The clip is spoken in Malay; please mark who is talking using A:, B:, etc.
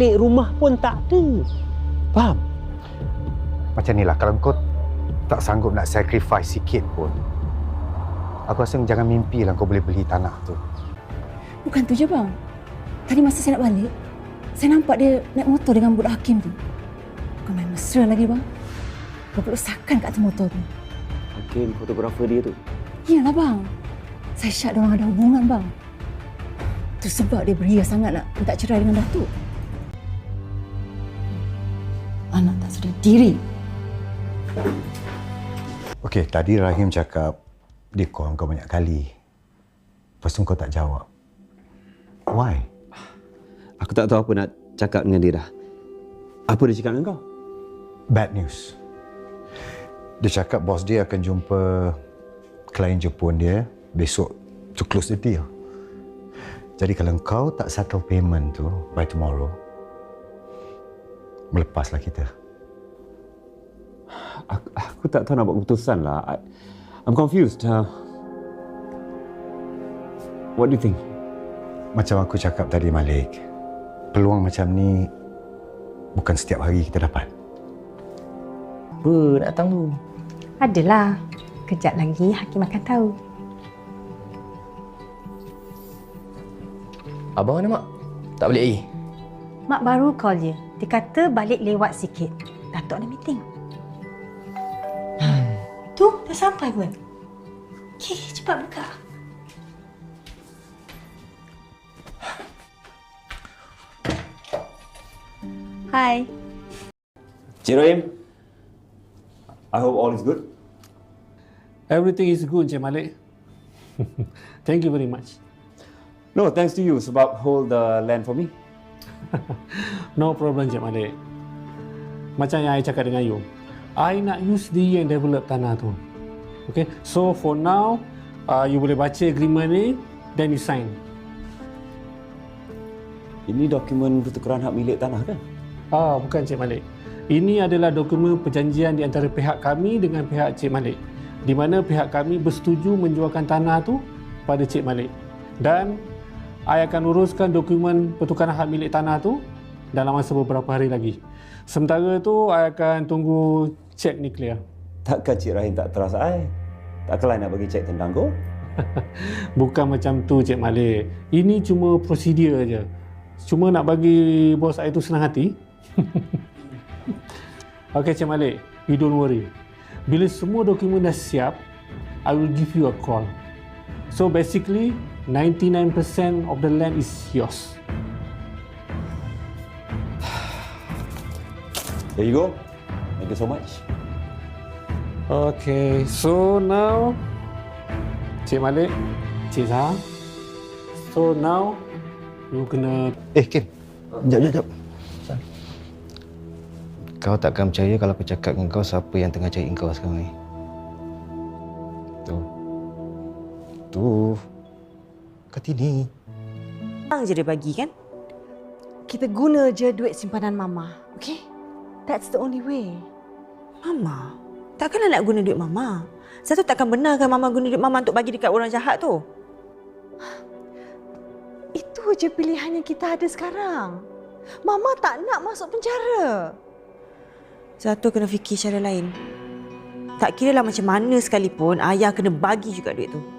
A: cari rumah pun tak ada. Faham?
B: Macam ni lah, kalau kau tak sanggup nak sacrifice sikit pun, aku rasa jangan mimpi lah kau boleh beli tanah tu.
C: Bukan tu je bang. Tadi masa saya nak balik, saya nampak dia naik motor dengan budak Hakim tu. Bukan main mesra lagi bang. Berpelusakan kat atas motor tu.
A: Hakim, fotografer dia tu.
C: Iyalah bang. Saya syak diorang ada hubungan bang. Tu sebab dia beria sangat nak minta cerai dengan Datuk. Anak tak sedar diri.
B: Okey, tadi Rahim cakap dia call kau banyak kali. Lepas tu kau tak jawab. Why?
A: Aku tak tahu apa nak cakap dengan dia dah. Apa dia cakap dengan kau?
B: Bad news. Dia cakap bos dia akan jumpa klien Jepun dia besok to close the deal. Jadi kalau kau tak settle payment tu by tomorrow, melepaslah kita.
A: Aku tak tahu nak buat keputusan lah. I'm confused. What do you think?
B: Macam aku cakap tadi Malik, peluang macam ni bukan setiap hari kita dapat.
D: Apa nak datang tu?
E: Adalah. Kejap lagi Hakim akan tahu.
D: Abang mana, Mak? Tak balik lagi?
E: Mak baru call dia. Dia kata balik lewat sikit. Datuk ada meeting. Tu, dah sampai pun. Okey, cepat buka. Hai.
A: Cik Rahim, I hope all is good.
F: Everything is good, Encik Malik. Thank you very much.
A: No, thanks to you sebab hold the land for me.
F: No problem, Encik Malik. Macam yang I cakap dengan you, I nak use dia yang develop tanah tu. Okay, so for now, you boleh baca agreement ni, then you sign.
A: Ini dokumen pertukaran hak milik tanah kan?
F: Bukan Cik Malik. Ini adalah dokumen perjanjian di antara pihak kami dengan pihak Cik Malik, di mana pihak kami bersetuju menjualkan tanah tu pada Cik Malik. Dan I akan uruskan dokumen pertukaran hak milik tanah tu dalam masa beberapa hari lagi. Sementara tu, I akan tunggu cek ni clear.
A: Takkan Cik Rahim tak trust I? Takkanlah nak bagi cek tendang kau?
F: Bukan macam tu, Cik Malik. Ini cuma prosedur je. Cuma nak bagi bos I tu senang hati. Okay, Cik Malik. You don't worry. Bila semua dokumen dah siap, I will give you a call. So basically, 99% of the land is yours.
A: There you go. Thank you so much.
F: Okay, so now, Cik Malik, Cik Zahar. So now, you kena...
B: Kim. Sekejap.
D: Kau takkan percaya kalau aku cakap dengan kau siapa yang tengah cari kau sekarang ni. Tu. Kartini.
E: Bang je dia bagi kan? Kita guna je duit simpanan Mama, okay? That's the only way. Mama? Takkanlah nak guna duit Mama. Satu takkan benarkan Mama guna duit Mama untuk bagi dekat orang jahat tu. Itu je pilihan yang kita ada sekarang. Mama tak nak masuk penjara. Satu kena fikir cara lain. Tak kiralah macam mana sekalipun, ayah kena bagi juga duit tu.